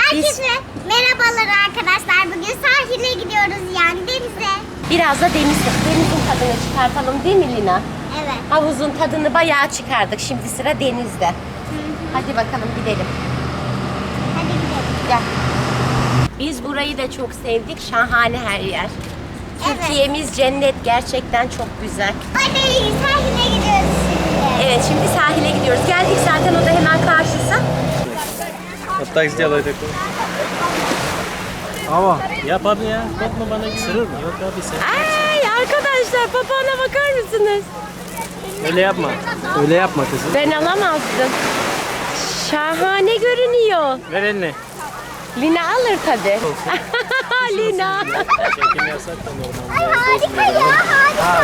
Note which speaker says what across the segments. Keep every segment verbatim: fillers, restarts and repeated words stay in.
Speaker 1: Herkese Biz... merhabalar arkadaşlar. Bugün sahile gidiyoruz, yani denize.
Speaker 2: Biraz da deniz, denizin tadını çıkartalım değil mi Lina?
Speaker 1: Evet.
Speaker 2: Havuzun tadını bayağı çıkardık. Şimdi sıra denizde. Hı hı. Hadi bakalım gidelim.
Speaker 1: Hadi gidelim.
Speaker 2: Gel. Biz burayı da çok sevdik. Şahane her yer. Evet. Türkiye'miz cennet. Gerçekten çok güzel.
Speaker 1: Hadi sahile gidiyoruz şimdi.
Speaker 2: Evet, şimdi sahile gidiyoruz. Geldik zaten, o da hemen karşısı.
Speaker 3: Так сделай такой. Ama yap abi ya. Korkma, bana ısırır mı? Yok abi sen.
Speaker 2: Ay arkadaşlar, papağana bakar mısınız?
Speaker 3: Öyle yapma. Öyle yapma kızım.
Speaker 2: Ben alamazdım. Şahane görünüyor.
Speaker 3: Ver elini.
Speaker 2: Lina alır tabi. Lina.
Speaker 3: Çekim yasak da normalde.
Speaker 1: Harika ya, harika.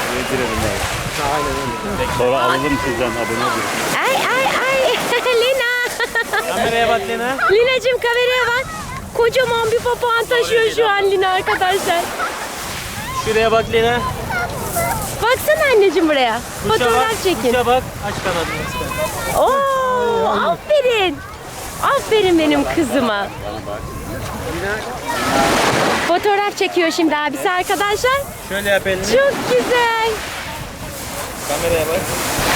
Speaker 4: Sonra alırım sizden, abone olun.
Speaker 2: Ay ay ay. Lina.
Speaker 3: Kameraya bak Lina.
Speaker 2: Lina'cığım kameraya bak. Kocaman bir papağan taşıyor şu an Lina arkadaşlar.
Speaker 3: Şuraya bak Lina.
Speaker 2: Baksana anneciğim buraya.
Speaker 3: Kuşa
Speaker 2: Fotoğraf
Speaker 3: bak,
Speaker 2: çekin.
Speaker 3: Kuşa bak. Aç kanadını ister.
Speaker 2: Oo, aferin. Aferin benim kızıma. Fotoğraf çekiyor şimdi abisi arkadaşlar.
Speaker 3: Şöyle yap elini.
Speaker 2: Çok güzel.
Speaker 3: Kameraya bak.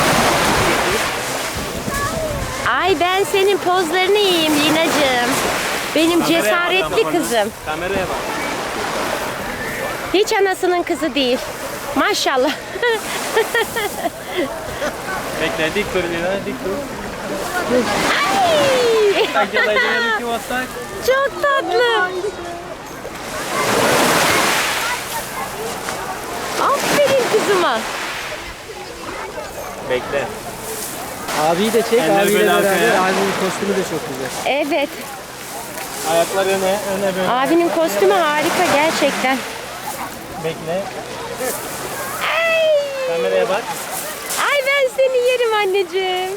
Speaker 2: Ay ben senin pozlarını yiyeyim Lina'cığım. Benim
Speaker 3: Kameraya
Speaker 2: cesaretli
Speaker 3: bak,
Speaker 2: kızım.
Speaker 3: Kameraya bak.
Speaker 2: Hiç anasının kızı değil. Maşallah.
Speaker 3: Bekle, dik dur Lina, dik dur.
Speaker 2: Ay.
Speaker 3: Tak yalayın iki watt.
Speaker 2: Çok tatlı. Aferin kızıma.
Speaker 3: Bekle.
Speaker 5: Abiyi de çek,
Speaker 3: Eller
Speaker 5: abiyle
Speaker 3: böyle
Speaker 5: beraber.
Speaker 3: arkaya.
Speaker 5: Abinin kostümü de çok güzel.
Speaker 2: Evet.
Speaker 3: Ayaklar öne, öne böyle.
Speaker 2: Abinin kostümü harika gerçekten.
Speaker 3: Bekle.
Speaker 2: Ay.
Speaker 3: Kameraya bak.
Speaker 2: Ay ben seni yerim anneciğim.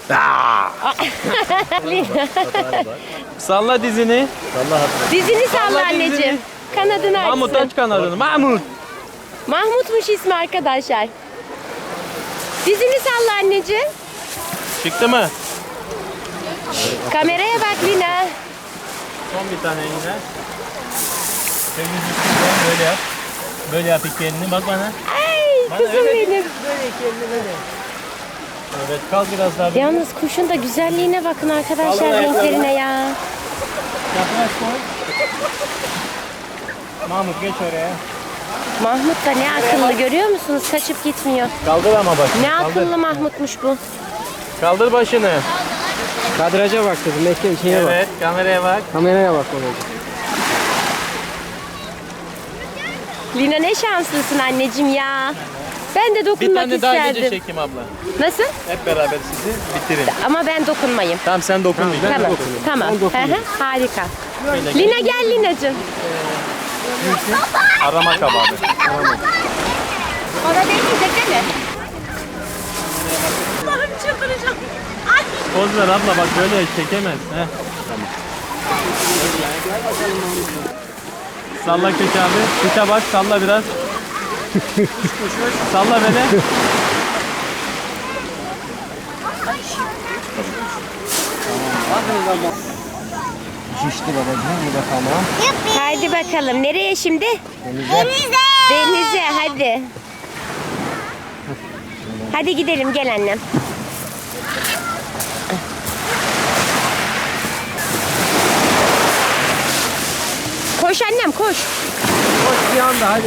Speaker 3: Salla dizini.
Speaker 2: Dizini salla
Speaker 3: Salla
Speaker 2: anneciğim.
Speaker 3: dizini.
Speaker 2: Kanadını
Speaker 3: Mahmut
Speaker 2: açsın.
Speaker 3: aç kanadını. Mahmut.
Speaker 2: Mahmutmuş ismi arkadaşlar. Dizini salla anneciğim.
Speaker 3: Çıktı mı?
Speaker 2: Kameraya bak Lina.
Speaker 3: Son bir tane yine. Elini üstünden böyle yap. Böyle yap iki elini. Bak bana.
Speaker 2: Ay
Speaker 3: Bana
Speaker 2: kızım
Speaker 3: öyle
Speaker 2: benim.
Speaker 3: değil, böyle iki elini böyle. Evet, kalk biraz daha.
Speaker 2: Yalnız kuşun da güzelliğine bakın arkadaşlar,
Speaker 3: Vallahi
Speaker 2: renklerine ya.
Speaker 3: Yaklaş koy. Mahmut geç oraya.
Speaker 2: Mahmut da ne akıllı, görüyor musunuz? Kaçıp gitmiyor.
Speaker 3: Kaldır ama bak.
Speaker 2: Ne
Speaker 3: Kaldır.
Speaker 2: akıllı Mahmutmuş bu.
Speaker 3: Kaldır başını.
Speaker 5: Kadraja bak kızım, bekle şeye
Speaker 3: Evet, kameraya bak.
Speaker 5: bak. Kameraya bak babacığım.
Speaker 2: Lina ne şanslısın anneciğim ya. Ben de
Speaker 3: Bir
Speaker 2: dokunmak
Speaker 3: tane daha gece
Speaker 2: isterdim.
Speaker 3: çekeyim abla.
Speaker 2: Nasıl?
Speaker 3: Hep beraber sizi bitirin.
Speaker 2: Ama ben dokunmayayım.
Speaker 3: Tamam, sen dokunmayacaksın.
Speaker 2: Tamam.
Speaker 5: dokunayım.
Speaker 2: Tamam.
Speaker 5: Ben dokunayım.
Speaker 2: Hı hı, harika.
Speaker 3: Böyle
Speaker 2: Lina gel Lina'cığım.
Speaker 3: arama kababı.
Speaker 2: Ona değmeyecek değil mi? Allah'ım çıldıracağım. Ay.
Speaker 3: Poz ver abla, bak böyle çekemez. Heh. Salla köşe abi. Köşe bak, salla biraz. Salla böyle.
Speaker 5: Şişti babacığım, bu da tamam.
Speaker 2: Haydi bakalım. Nereye şimdi?
Speaker 1: Denize.
Speaker 2: Denize hadi. Hadi gidelim, gel annem. Koş annem koş.
Speaker 5: Koş bir anda hadi.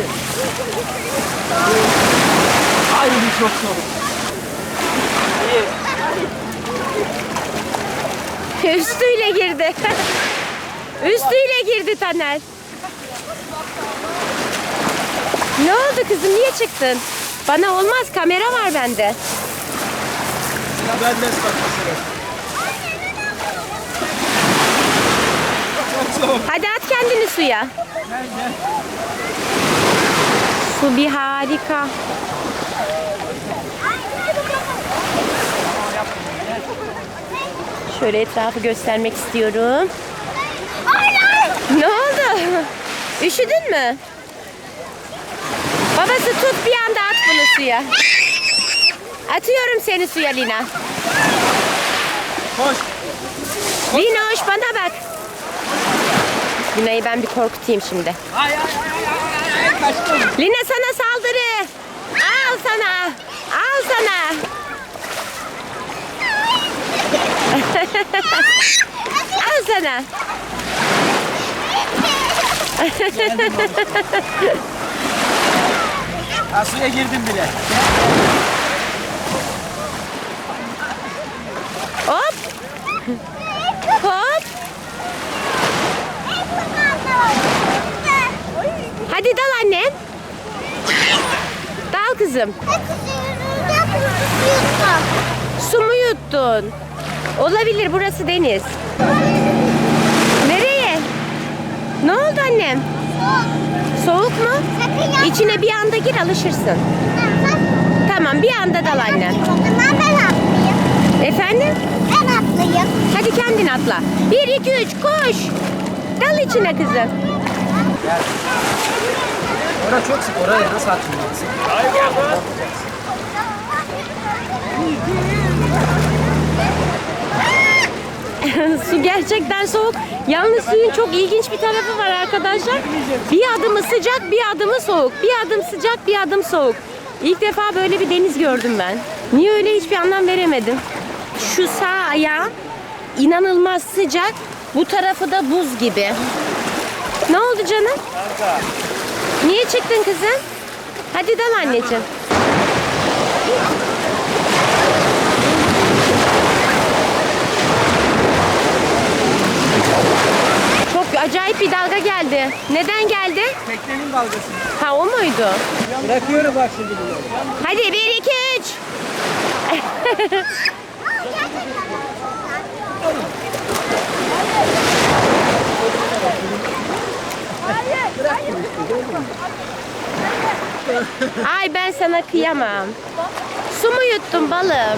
Speaker 5: Ay bu çok soğuk.
Speaker 2: Üstüyle girdi. Üstüyle girdi Taner. Ne oldu kızım, niye çıktın? Bana olmaz, kamera var bende.
Speaker 3: Ben de ıslatmasın.
Speaker 2: Hadi at kendini suya. Su bir harika. Şöyle etrafı göstermek istiyorum. Ne oldu? Üşüdün mü? Babası tut, bir anda at bunu suya. Atıyorum seni suya Lina.
Speaker 3: Koş.
Speaker 2: Lina hoş, bana bak. Lina'yı ben bir korkutayım şimdi.
Speaker 5: Ay ay ay ay ay kaçtım.
Speaker 2: Lina sana saldırı. Al sana. Al sana. Al sana.
Speaker 5: Ha, suya girdim bile.
Speaker 2: Hop. Hop. Hadi dal annem. Dal kızım. Su mu yuttun? Olabilir, burası deniz. Nereye? Ne oldu annem? Soğuk mu? İçine bir anda gir, alışırsın. Tamam, bir anda dal annem.
Speaker 1: Ben atlayayım.
Speaker 2: Efendim?
Speaker 1: Ben atlayayım.
Speaker 2: Hadi kendin atla. Bir, iki, üç, koş. Dal içine kızım.
Speaker 5: Orası çok sık. Oraya nasıl atlayacaksın?
Speaker 2: Su gerçekten soğuk. Yalnız suyun çok ilginç bir tarafı var arkadaşlar. Bir adımı sıcak, bir adımı soğuk. Bir adım sıcak, bir adım soğuk. İlk defa böyle bir deniz gördüm ben. Niye öyle hiçbir anlam veremedim. Şu sağ ayağı inanılmaz sıcak. Bu tarafı da buz gibi. Ne oldu canım? Niye çıktın kızım? Hadi dal anneciğim. Çok acayip bir dalga geldi. Neden geldi?
Speaker 5: Teknenin dalgası.
Speaker 2: Ha, o muydu?
Speaker 5: Bırakıyorum bak şimdi bunu.
Speaker 2: Hadi bir, iki, üç. Ay, ben sana kıyamam. Su mu yuttun balım?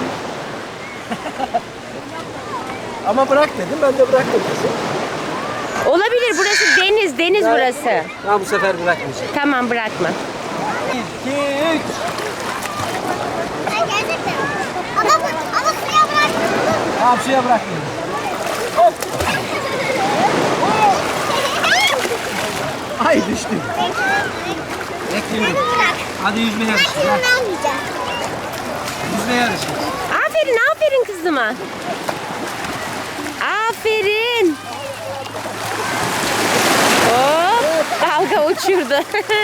Speaker 5: Ama bırak dedim, ben de bırak dedim.
Speaker 2: Olabilir, burası deniz, deniz burası.
Speaker 5: Ha, bu sefer bırakmayacağım.
Speaker 2: Tamam, bırakma.
Speaker 5: Bir, iki, üç.
Speaker 1: Ay, gerçekten. Ama, bu, ama suya bıraktım.
Speaker 5: Tamam, suya bırakmıyorum. Ay düştüm. Bekliyorum.
Speaker 1: Bırak.
Speaker 5: Hadi yüzme
Speaker 1: Ben
Speaker 5: yarışı.
Speaker 1: şunu vermeyeceğim.
Speaker 5: Yüzme yarışı.
Speaker 2: Aferin, aferin kızıma. Aferin. Hop, dalga uçurdu.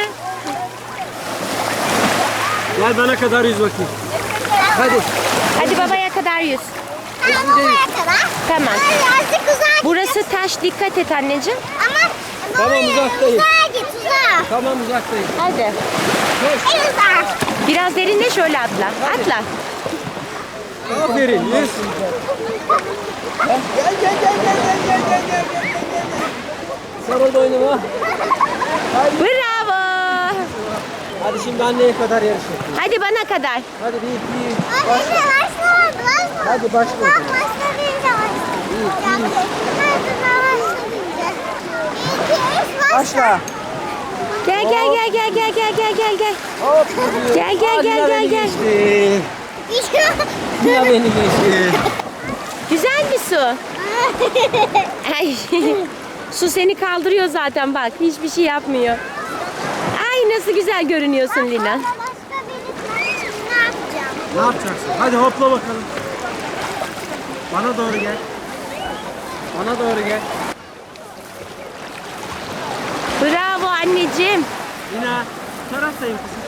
Speaker 5: Gel bana kadar yüz bakayım. Hadi.
Speaker 2: Hadi babaya kadar yüz.
Speaker 1: Ama oraya kadar.
Speaker 2: Tamam.
Speaker 1: Ay, artık uzak.
Speaker 2: Burası taş, dikkat et anneciğim.
Speaker 1: Ama
Speaker 5: Tamam,
Speaker 1: oraya-
Speaker 5: uzaktayım.
Speaker 1: Uzağa git, uzağa.
Speaker 5: Tamam, uzaktayım.
Speaker 2: Hadi.
Speaker 1: En uzağa.
Speaker 2: Biraz derinle, şöyle atla. Atla.
Speaker 5: Aferin. Yüz. Gel gel gel gel gel gel gel gel gel gel. Sarıl boynuma.
Speaker 2: Bravo.
Speaker 5: Hadi şimdi anneye kadar yarış yapıyoruz.
Speaker 2: Hadi bana kadar.
Speaker 5: Hadi bir, iki, üç.
Speaker 1: Anne
Speaker 5: Başla.
Speaker 1: başlamadı, başlamadı.
Speaker 5: Hadi başla.
Speaker 1: Ben başlayınca başlayacağım. Ben başlayınca. İki, üç, başla.
Speaker 5: Başla.
Speaker 2: Gel gel gel gel gel gel gel gel gel.
Speaker 5: Hop.
Speaker 2: Gel, gel,
Speaker 5: Aa,
Speaker 2: gel,
Speaker 5: Lina
Speaker 2: gel,
Speaker 5: beni
Speaker 2: gel.
Speaker 5: geçti. Lina beni geçti.
Speaker 2: Güzel bir su. Ay. Su seni kaldırıyor zaten, bak. Hiçbir şey yapmıyor. Ay, nasıl güzel görünüyorsun Lina.
Speaker 1: Başka biri için ne yapacağım?
Speaker 5: Ne yapacaksın? Hadi hopla bakalım. Bana doğru gel. Bana doğru gel.
Speaker 2: Bravo anneciğim.
Speaker 5: Lina, bu taraftayım kızım.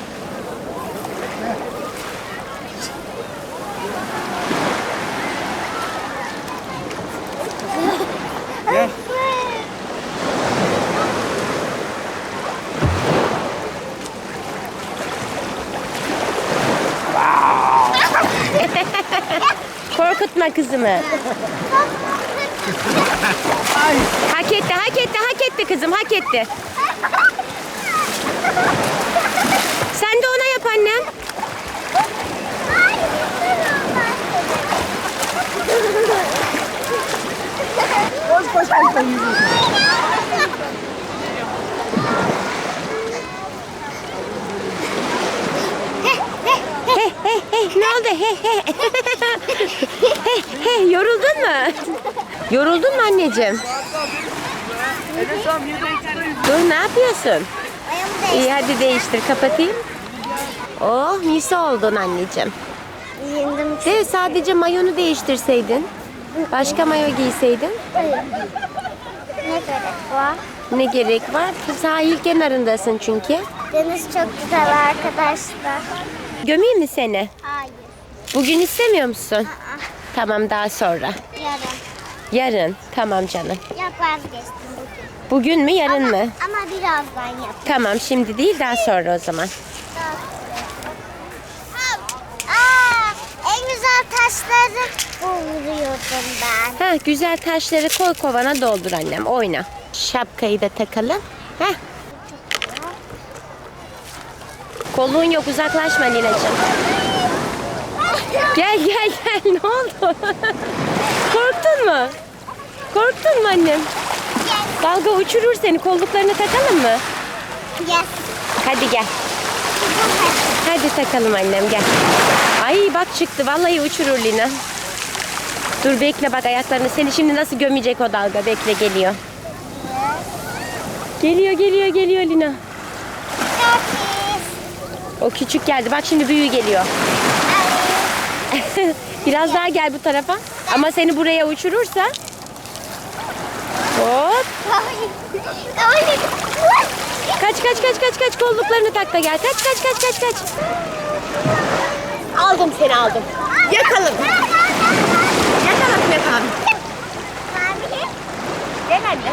Speaker 5: Gel.
Speaker 2: Korkutma kızımı.
Speaker 5: Ay.
Speaker 2: Hak etti, hak etti, hak etti kızım, hak etti. Sen de ona yap annem.
Speaker 5: Koş koş koş. koş.
Speaker 2: He he he, ne oldu? He he. He he, yoruldun mu? Yoruldun mu anneciğim?
Speaker 5: Enes tamam yedi buçukta yüz.
Speaker 2: Dur, ne yapıyorsun?
Speaker 1: Ayağımı
Speaker 2: İyi,
Speaker 1: değiştirdim.
Speaker 2: hadi değiştir, kapatayım. Oh, misi oldun anneciğim.
Speaker 1: Yendim.
Speaker 2: De sadece mayonu değiştirseydin. Başka mayo giyseydin.
Speaker 1: Ne gerek var?
Speaker 2: Ne gerek var? Sahil kenarındasın çünkü.
Speaker 1: Deniz çok güzel arkadaşlar.
Speaker 2: Gömeyim mi seni?
Speaker 1: Hayır.
Speaker 2: Bugün istemiyor musun?
Speaker 1: Aa,
Speaker 2: Tamam, daha sonra.
Speaker 1: yarın.
Speaker 2: Yarın. Tamam canım.
Speaker 1: Yok vazgeçtim bugün.
Speaker 2: Bugün mü, yarın
Speaker 1: ama,
Speaker 2: mı?
Speaker 1: Ama birazdan yap.
Speaker 2: Tamam, şimdi değil, daha sonra o zaman.
Speaker 1: Aa, en güzel taşları buluyordum ben.
Speaker 2: Heh, güzel taşları koy kovana, doldur annem. Oyna. Şapkayı da takalım. Heh. Kolluğun yok, uzaklaşma Lina'cığım. Gel gel gel, ne oldu? Korktun mu? Korktun mu annem? Dalga uçurur seni, kolluklarını takalım mı?
Speaker 1: Yes.
Speaker 2: Hadi gel. Hadi takalım annem, gel. Ay bak, çıktı vallahi, uçurur Lina. Dur bekle, bak ayaklarını, seni şimdi nasıl gömecek o dalga, bekle, geliyor. Geliyor geliyor geliyor Lina. O küçük geldi, bak şimdi büyüğü geliyor. Biraz daha gel bu tarafa. Ama seni buraya uçurursa. Hop. Kaç kaç kaç kaç kaç, kolluklarını tak da gel. Kaç kaç kaç kaç kaç. Aldım seni, aldım. Yakalım. Yakalım yakalım. Gel anne.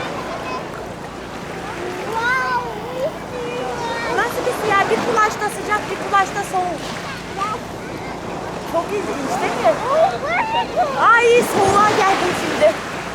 Speaker 2: Nasıl bir siyah? Bir kulaşta sıcak, bir kulaşta soğuk. Çok ilginç değil mi? Ay, soğuğa geldim şimdi.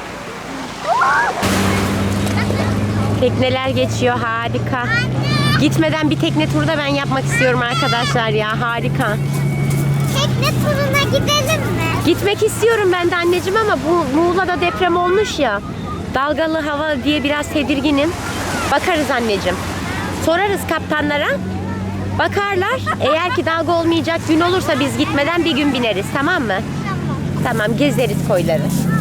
Speaker 2: Tekneler geçiyor, harika. Gitmeden bir tekne turu da ben yapmak istiyorum arkadaşlar ya, harika.
Speaker 1: Tekne turuna gidelim mi?
Speaker 2: Gitmek istiyorum ben de anneciğim, ama bu Muğla'da deprem olmuş ya. Dalgalı hava diye biraz tedirginim. Bakarız anneciğim. Sorarız kaptanlara. Bakarlar. Eğer ki dalga olmayacak gün olursa biz gitmeden bir gün bineriz, tamam mı?
Speaker 1: Tamam.
Speaker 2: Tamam, gezeriz koyları.